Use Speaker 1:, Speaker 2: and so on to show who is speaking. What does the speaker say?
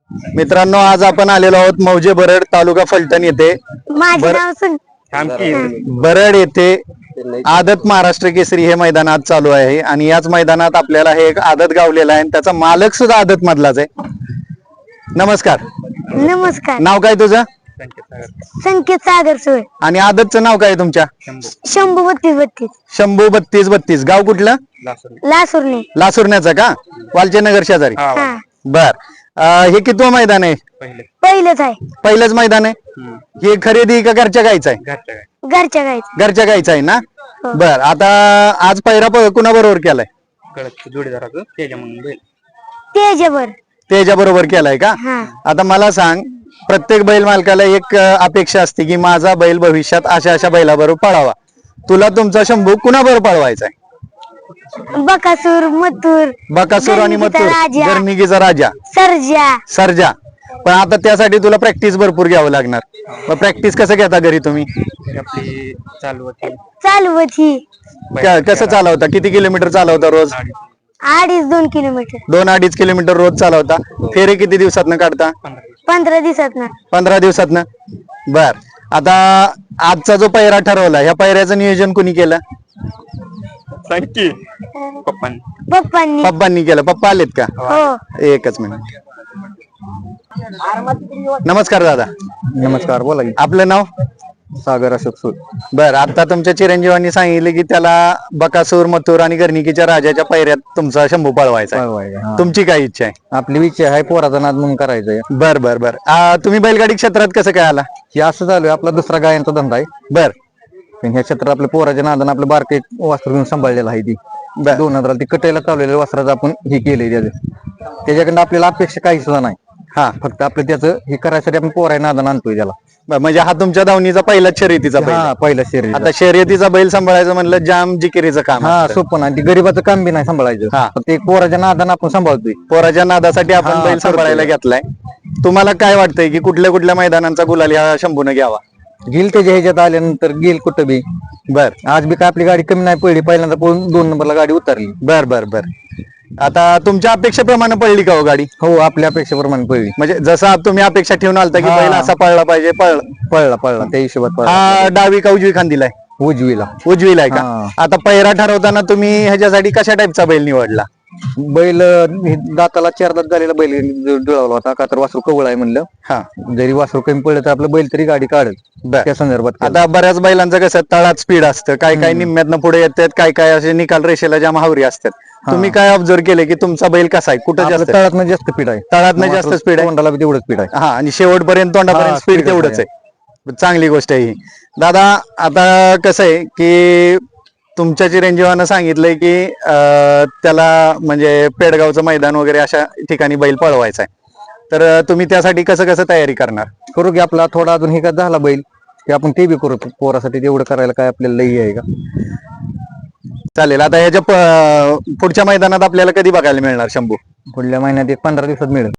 Speaker 1: मित्रांनो आज आपण आलेलो आहोत मौजे बरड तालुका फलटण येथे
Speaker 2: माझे नाव
Speaker 1: बरड येथे आदत महाराष्ट्र केसरी हे मैदान आज चालू आहे आणि याच मैदानात आपल्याला हे एक आदत गावलेला आहे आणि त्याचा मालक सुद्धा आदत मधलाच आहे. नमस्कार.
Speaker 2: नमस्कार.
Speaker 1: नाव काय तुझं?
Speaker 2: संकेत सागर सोय
Speaker 1: आणि आदतचं नाव काय तुमच्या?
Speaker 2: शंभू 3232
Speaker 1: शंभू 3232. गाव कुठलं?
Speaker 2: लासुरने.
Speaker 1: लासुरण्याचं का? वालचेनगर शेजारी.
Speaker 2: हा
Speaker 1: बर. हे कितवं मैदान आहे?
Speaker 2: पहिलंच आहे.
Speaker 1: पहिलंच मैदान आहे. हे खरेदी का घरच्या गायचं आहे?
Speaker 2: घरच्या गायचं.
Speaker 1: घरच्या गायचं आहे ना. बर. आता आज पहिरा कुणा बरोबर केलाय?
Speaker 3: जोडीदाराचं तेजा म्हणून बैल.
Speaker 2: तेजावर.
Speaker 1: त्याच्या बरोबर केलाय का?
Speaker 2: हा.
Speaker 1: आता मला सांग, प्रत्येक बैल मालकाला एक अपेक्षा असते की माझा बैल भविष्यात अशा अशा बैलाबरोबर पळावा. तुला तुमचा शंभू कुणाबरोबर पळवायचा आहे?
Speaker 2: बकासूर, मथुर,
Speaker 1: बकासूर आणि
Speaker 2: गर्णिकीचा
Speaker 1: मथुर,
Speaker 2: राजा.
Speaker 1: गर्णिकीचा राजा,
Speaker 2: सर्जा.
Speaker 1: सर्जा. पण आता त्यासाठी तुला प्रॅक्टिस भरपूर घ्यावं लागणार. मग प्रॅक्टिस कसं घेता घरी तुम्ही?
Speaker 3: आपली चालू होती
Speaker 2: चालवत ही
Speaker 1: कसं चालवता? किती किलोमीटर चालवता रोज?
Speaker 2: 2.5 किलोमीटर.
Speaker 1: 2-2.5 किलोमीटर रोज चालवता. फेरे किती दिवसातनं काढता?
Speaker 2: 15 दिवसात ना.
Speaker 1: 15 दिवसातनं. बर. आता आजचा जो पहिरा ठरवला, ह्या पहिऱ्याचं नियोजन कोणी केलं?
Speaker 3: सांगकी पप्पांनी.
Speaker 2: पप्पांनी.
Speaker 1: पप्पांनी केलं. पप्पा आलेत का?
Speaker 2: हो.
Speaker 1: एकच मिनिट. नमस्कार दादा.
Speaker 3: नमस्कार. बोला की.
Speaker 1: आपलं नाव?
Speaker 3: सागर अशोक सूर.
Speaker 1: बर. आता तुमच्या चिरंजीवांनी सांगितले की त्याला बकासूर, मथुर आणि गर्णिकीच्या राजाच्या पहिऱ्यात तुमचा शंभू पळवायचा आहे. तुमची काय इच्छा आहे?
Speaker 3: आपली इच्छा आहे पोराचा नाद म्हणून करायचंय.
Speaker 1: बर बर बर. तुम्ही बैलगाडी क्षेत्रात कसं काय आला?
Speaker 3: हे असं चालू आहे. आपला दुसरा गायांचा धंदा आहे.
Speaker 1: बर
Speaker 3: पण ह्या क्षेत्रात आपल्या पोराच्या नादानं आपलं बारके वस्त्र घेऊन सांभाळलेलं आहे. ती
Speaker 1: बर
Speaker 3: 2000 ती कटेला चाललेल्या वस्त्राचं आपण हे केलंय. त्याच्याकडनं आपल्याला अपेक्षा काही सुद्धा नाही.
Speaker 1: हा.
Speaker 3: फक्त आपलं त्याचं हे करायसाठी आपण पोराच्या नादानं आणतोय त्याला.
Speaker 1: म्हणजे हा तुमच्या धावणीचा पहिलाच शर्यतीचा बैल
Speaker 3: हा
Speaker 1: आहे.
Speaker 3: पहिला शरीर.
Speaker 1: आता शर्यतीचा बैल सांभाळायचं म्हणलं जाम जिकिरीचं काम
Speaker 3: हा
Speaker 1: असतं.
Speaker 3: सोपं नाही. ती गरीबाचं काम बी नाही सांभाळायचं.
Speaker 1: हा.
Speaker 3: फक्त एक पोराच्या नादानं आपण सांभाळतोय.
Speaker 1: पोराच्या नादासाठी आपण
Speaker 3: हा,
Speaker 1: बैल सांभाळायला
Speaker 3: करतोय.
Speaker 1: घेतलाय. तुम्हाला काय वाटतंय की कुठल्या कुठल्या मैदानांचा गुलाल ह्या शंभूने घ्यावा?
Speaker 3: गेल त्याच्या ह्याच्यात आल्यानंतर गेल कुठं बी.
Speaker 1: बर
Speaker 3: आज बी काय आपली गाडी कमी नाही पडली. पहिल्यांदा पळून 2 नंबरला गाडी उतरली.
Speaker 1: बर बर बर. आता तुमच्या अपेक्षेप्रमाणे पडली का हो गाडी?
Speaker 3: हो आपल्या अपेक्षेप्रमाणे पळली.
Speaker 1: म्हणजे जसं तुम्ही अपेक्षा ठेवून आलता की
Speaker 3: हा.
Speaker 1: बैल असा पळला पाहिजे,
Speaker 3: पळला त्या हिशोबात पळला.
Speaker 1: हा डावी का उजवी खांदीला आहे?
Speaker 3: उजवीला.
Speaker 1: उजवीला आहे का?
Speaker 3: हा.
Speaker 1: आता पहिरा ठरवताना तुम्ही ह्याच्यासाठी कशा टाईपचा बैल निवडला?
Speaker 3: बैल हे दाताला 4 दात झालेला बैल जुळवला होता. का तर वासरू कवळ आहे म्हणलं.
Speaker 1: हा.
Speaker 3: जरी वासरू कमी पडलं तर आपलं बैल तरी गाडी काढत.
Speaker 1: बर.
Speaker 3: त्या संदर्भात केलं.
Speaker 1: आता बऱ्याच बैलांचं कसं तळात स्पीड असतं, काय काय निम्म्यातनं पुढे येतात, काय काय असे निकाल रेषेला ज्या महावरी असतात. तुम्ही काय ऑब्झर्व केले की तुमचा बैल कसा आहे, कुठं
Speaker 3: आपलं
Speaker 1: जास्त
Speaker 3: तळातनं जास्त स्पीड आहे.
Speaker 1: तळातनं जास्त स्पीड आहे?
Speaker 3: तोंडाला बी तेवढं स्पीड आहे.
Speaker 1: हा. आणि शेवटपर्यंत तोंडापर्यंत
Speaker 3: हा,
Speaker 1: स्पीड
Speaker 3: speed
Speaker 1: तेवढंच आहे. चांगली गोष्ट आहे ही. दादा आता कसं आहे की तुमच्या चिरंजीवानं सांगितलंय की त्याला म्हणजे पेडगावचं मैदान वगैरे अशा ठिकाणी बैल पळवायचा आहे. तर तुम्ही त्यासाठी कसं कसं तयारी करणार?
Speaker 3: करू की आपला थोडा अजून हे का झाला बैल की आपण ते बी करू. पोरासाठी तेवढं करायला काय आपल्याला लई आहे का?
Speaker 1: चालेल. आता ह्याच्या पुढच्या मैदानात आपल्याला कधी बघायला मिळणार शंभू?
Speaker 3: पुढल्या महिन्यात एक 15 दिवसात मिळेल.